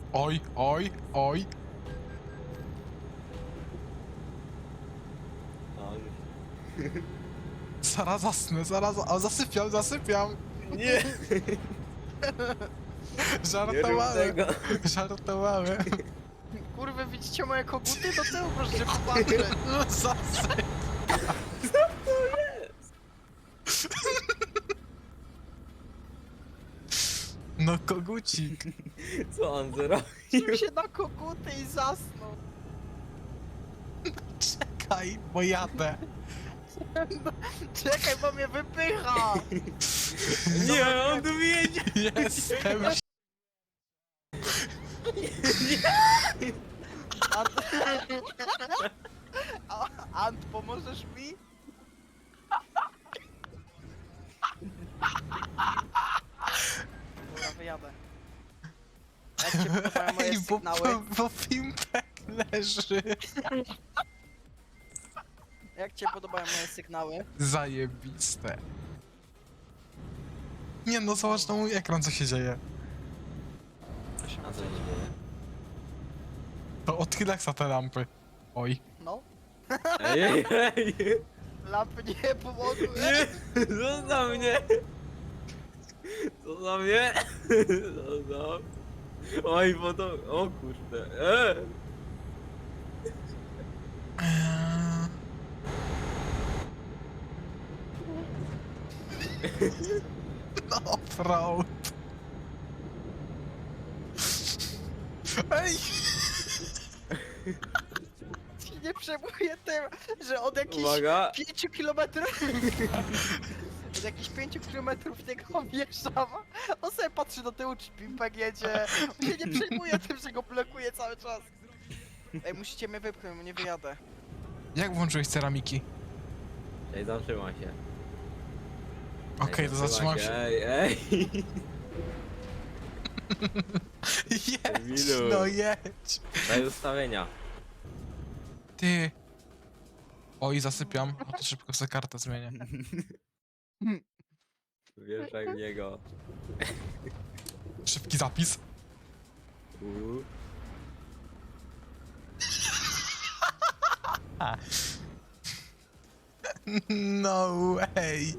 Oj, oj, oj. A, Zaraz zasnę, o, zasypiam. nie, nie rób Żartowałem, tego. żartowałem. Kurwy, widzicie moje koguty? Do tyłu proszę popatrzeć. No zasyp. No kogucik. Co on zrobił? Rzucił się na koguty i zasnął. Czekaj, bo jadę. Czekaj, bo mnie wypycha. Nie, on tu wiedzie. Jestem. Ant... Ant, pomożesz mi? Dobra, wyjadę. Jak cię podobają moje Ej, sygnały? bo Pimpek leży. Jak cię podobają moje sygnały? Zajebiste. Nie no, zobacz na mój ekran, co się dzieje. A co się dzieje? To odchylaj te lampy. Oj. No, Ej, ej, ej. lampy nie pomogły. Nie, zostaw mnie. Zostaw mnie. Zostaw. Oj, bo to... O kurde. No, fraud. Ej! Ci nie przejmuję tym, że od jakichś Uwaga. 5 kilometrów... Od jakichś 5 kilometrów niego wjeżdżam. On sobie patrzy do tyłu, czy Pimpek jedzie. On się nie przejmuje tym, że go blokuje cały czas. Ej, musicie mnie wypchnąć, bo nie wyjadę. Jak włączyłeś ceramiki? Ej, zatrzymaj się. Okej, to zatrzymam się. Ej, ej. Jedź, Emilu. no jedź. Daj ustawienia. Ty. Oj, zasypiam. O, to szybko sobie kartę zmienię. Wjeżdżaj w niego. Szybki zapis. Uuu. No way.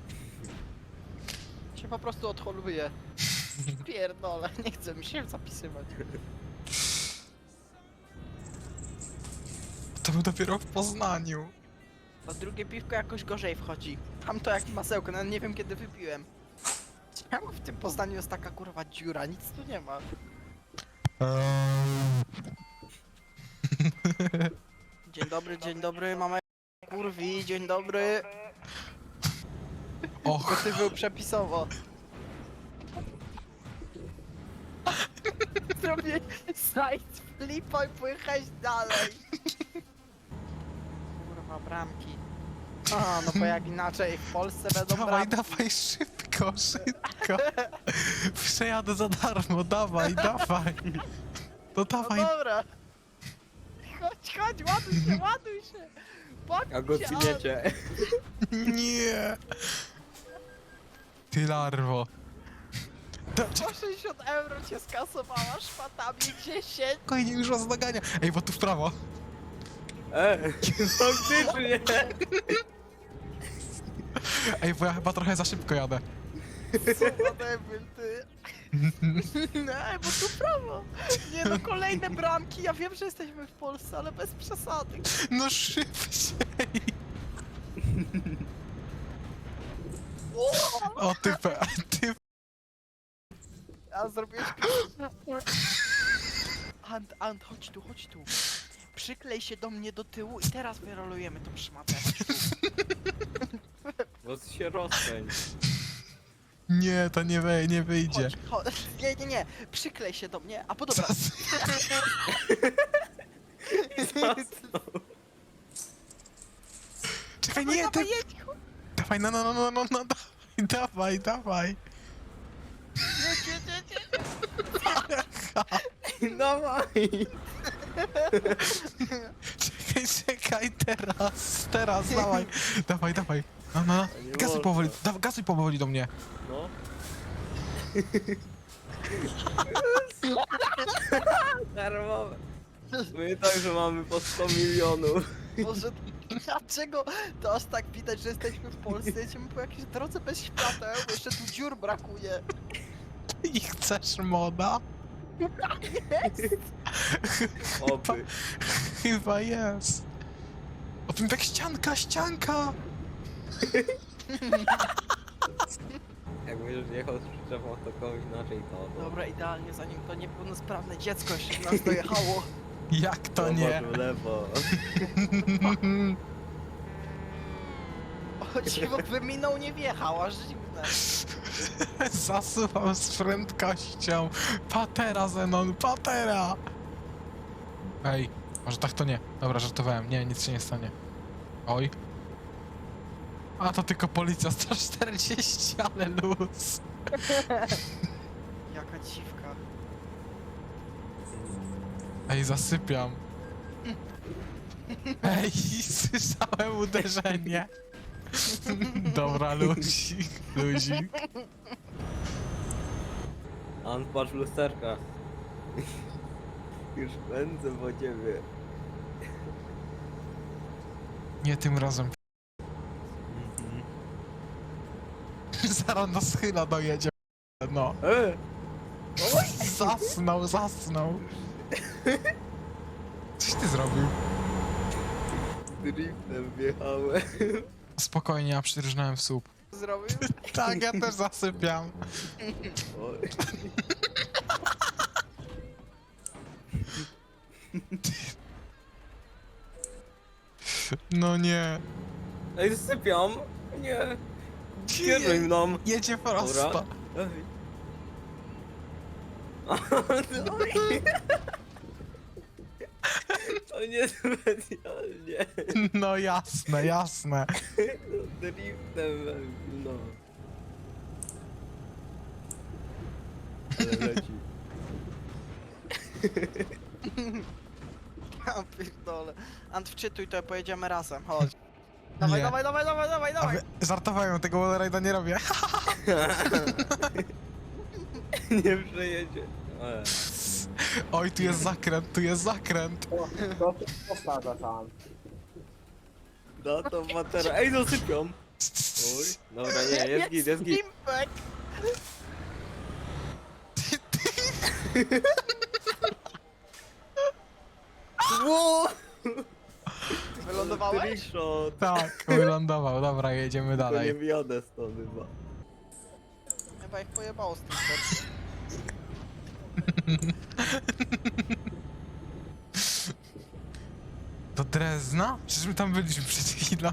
Się po prostu odholuje. Pierdolę, nie chce mi się zapisywać. To był dopiero w Poznaniu. A drugie piwko jakoś gorzej wchodzi. Tam to jak masełko, nawet nie wiem kiedy wypiłem. Czemu w tym Poznaniu jest taka kurwa dziura? Nic tu nie ma. Dzień dobry, mama kurwi, dzień dobry. Och, Bo ty był przepisowo. Zrobię side flipa i pojechać dalej. Kurwa, bramki. A, no bo jak inaczej w Polsce będą dawaj, bramki. dawaj, szybko, szybko. Przejadę za darmo, dawaj, dawaj. To No dawaj. dobra. Chodź, ładuj się. Patrz A go się, cyniecie. Nie. Ty larwo. Po 60 euro cię skasowała szpatami 10. Spokojnie, już was nagania. Ej, bo tu w prawo. Faktycznie. Ej, bo ja chyba trochę za szybko jadę. Co za debil, ty. Nie, bo tu prawo. Nie no, kolejne bramki. Ja wiem, że jesteśmy w Polsce, ale bez przesady. No szybciej. O, ty. A zrobiłeś... Ant, chodź tu. Przyklej się do mnie do tyłu i teraz wyrolujemy tą szmatę. Bo się rozpędź. Nie, to nie wyjdzie. Chodź. Nie. Przyklej się do mnie, a po dobra. Czekaj, nie, ty. jedź, Dawaj, no, dawaj. jedź. Dawaj. Czekaj, teraz, dawaj. No. Nie Gazuj można. powoli, gazuj powoli do mnie. No. Darmowe. My także mamy po 100 milionów. Może dlaczego to aż tak widać, że jesteśmy w Polsce? Jedziemy po jakiejś drodze bez świateł, bo jeszcze tu dziur brakuje. I chcesz moda? Oby. Chyba jest. O tym tak ścianka! Jak będziesz jechał z przyczepą, to komuś inaczej to. Dobra, idealnie, zanim to niepełnosprawne dziecko jeszcze w nas dojechało. Jak to nie? Zobacz w lewo. O dziwo, by minął nie wjechał, aż dziwne. Zasuwam z prędkością. Patera, Zenon, patera! Ej, może tak to nie. Dobra, żartowałem. Nie, nic się nie stanie. Oj. A to tylko policja 140, ale luz. Jaka dziwka. Ej, zasypiam. Ej, słyszałem uderzenie. Dobra, luzik, luzik. An, patrz w lusterka. Już pędzę po ciebie. Nie tym razem. Zaraz do schyla dojedzie. No. Zasnął. Coś ty zrobił? Driftem wjechałem. Spokojnie, ja przyrżnąłem w słup. Zrobił? Tak, ja też zasypiam. Oj. No nie. Ej, sypiam. Nie. Kieruj mną. Jedzie prosto. Dobra. Ej. Oj. To nie specjalnie. No jasne. Driftem, no. Ale leci. Ja pierdolę. Ant, wczytuj to, pojedziemy razem, chodź. Dawaj, Nie. dawaj. A wy, żartowałem, tego wallride'a nie robię. Nie przejedzie. Oj, tu jest zakręt. To powtarza tam. Da to matera. Ej, dosypią. Oj. Dobra, nie, jest git, jest git. Pimpek! Wow! Wylądowałeś? Trickshot. Tak, wylądował. Dobra, jedziemy To nie dalej. wjadę stąd chyba. Chyba ich pojebało z tym sercem. Do Drezna? Przecież my tam byliśmy przed chwilą.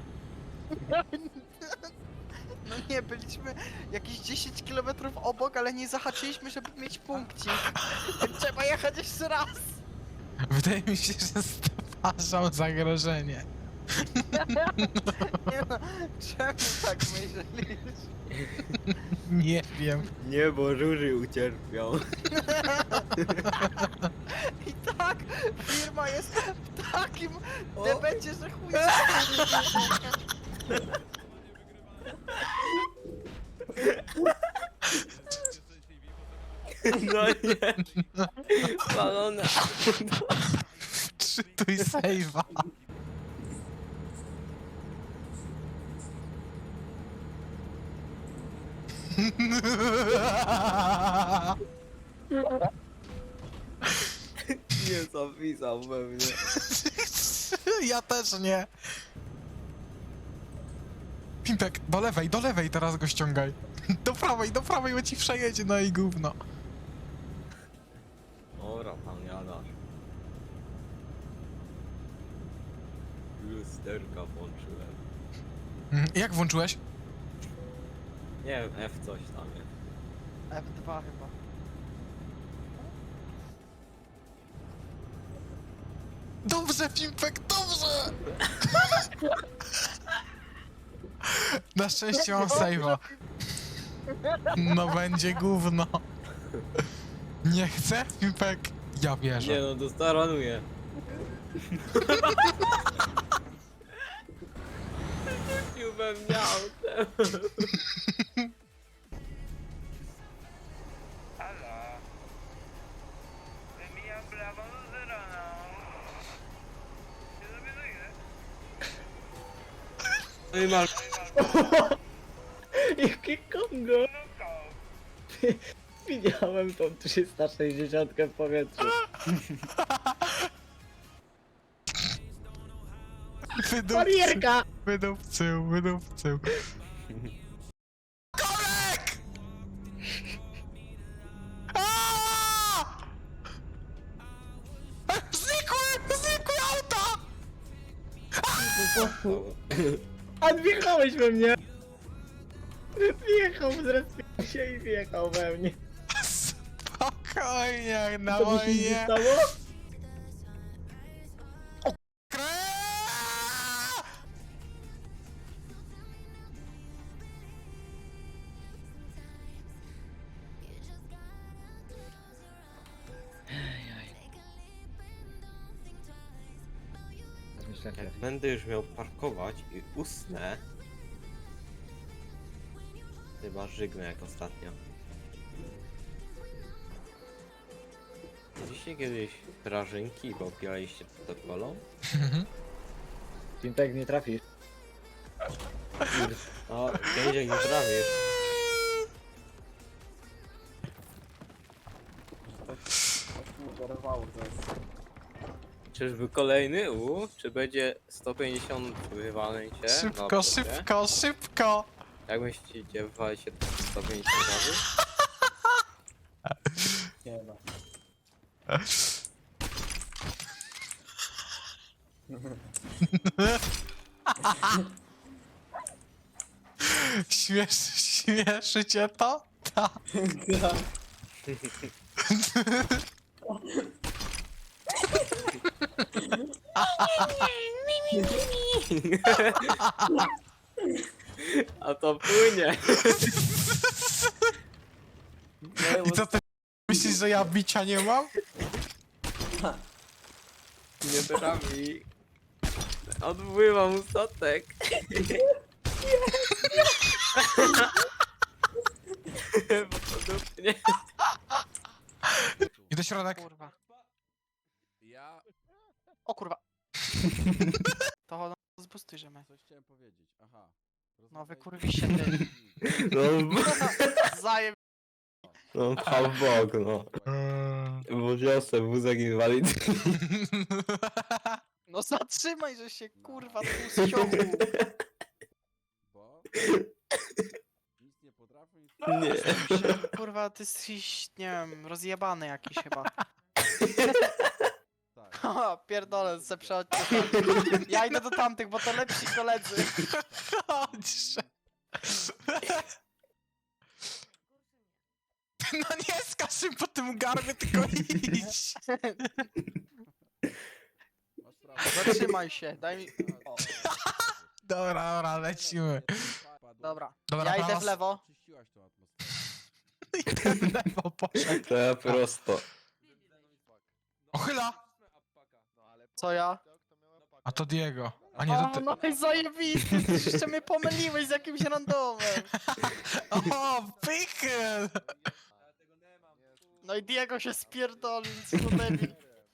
No nie, byliśmy jakieś 10 km obok, ale nie zahaczyliśmy, żeby mieć punkcik. Trzeba jechać jeszcze raz. Wydaje mi się, że stwarzał zagrożenie. Nie no, czemu tak myślisz? Nie wiem. Nie, bo żuży ucierpiał. I tak, firma jest w takim O. debecie, że chuj. No nie. Spalone. Czytuj save'a. Nie zapisał we mnie. Ja też nie. Pimpek, do lewej teraz go ściągaj. Do prawej, bo ci przejedzie, no i gówno. Ora, pan jadasz. Lusterka włączyłem. Jak włączyłeś? Nie wiem, F coś tam jest. F2 chyba. Dobrze, Pimpek, dobrze! Na szczęście mam save'a. No będzie gówno. Nie chcę, Pimpek? Ja wierzę. Nie no, to staranuję. Rzucił we mnie autem. Halo? Wymijam No i masz. Jakie Kongo! Widziałem tą 360 w powietrzu. Barierka! Wydupcył. Korek! Aaaa! Znikły auta! A wjechałeś we mnie! Wjechał, zrespił się i wjechał we mnie. Spokojnie, na Co mi się nie moje... stało? Jak będę już miał parkować i usnę. Chyba żygnę jak ostatnio. Widzieliście kiedyś prażynki, bo pijaliście to kolą? Pimpek nie trafisz. O, kiedyś jak nie trafisz. Zerwało to jest. Czyżby kolejny? Czy będzie 150 wywaleń cię? Szybko! Jak myślicie, wywali się 150 razy? Nie no. Śmieszy cię to? Tak. A to płynie! I co ty myślisz, że ja bicia nie mam? Nie trafi. Odpływam statek. Bo to dupnie. I do środek. Kurwa. O kurwa. To no, zbustuj, że my. Coś chciałem powiedzieć, aha. No wykurwiście ty. No, Zajem. no pchał w bok, no. Bo wiosę wózek inwalidzki. No zatrzymaj, że się kurwa tu ściągu. Bo nic nie potrafię, nic Nie. Kurwa, ty jesteś, nie wiem, rozjebany jakiś chyba. tak. Haha, pierdolę, se przechodźcie tam. Ja idę do tamtych, bo to lepsi koledzy. Chodźże. No nie skaż im po tym garbie, tylko idź. Masz prawo. Zatrzymaj się, daj mi... O, Dobra, lecimy. dobra. Dobra, Ja idę prawa w lewo. Czyściłaś tą atmosferę. I ten w lewo poszedł. To ja prosto. Ochyla! Co ja? A to Diego. A nie, to O, ty. no i zajebisty, ty jeszcze mnie pomyliłeś z jakimś randomem. O, pickle! No i Diego się spierdolił, co to debil.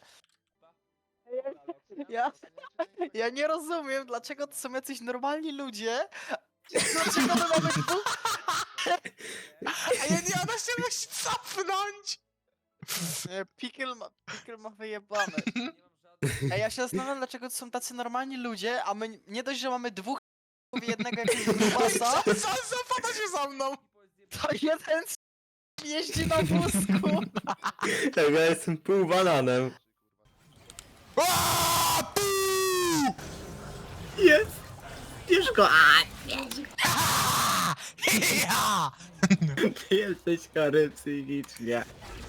Ja nie rozumiem, dlaczego to są jacyś normalni ludzie. Dlaczego my mamy dwóch... A ja nie, ona się musi cofnąć! Nie, Pickle ma wyjebane. Ej, ja się zastanawiam, dlaczego to są tacy normalni ludzie, a my nie dość, że mamy dwóch i jednego jakiegoś grubasa, Zapada się za mną! to jeden jeździ na wózku. Tak, ja jestem pół bananem. Aaaa, puu! Jest! Bierz go! A, Ja! ty jesteś chory psychicznie.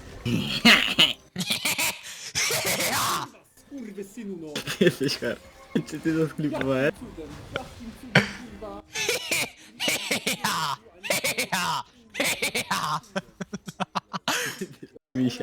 Kurwy synu no. Ty jesteś chory. Czy ty to sklipowałeś? Cudem. Jakim cudem kurwa. Ja! Ja! Mi się.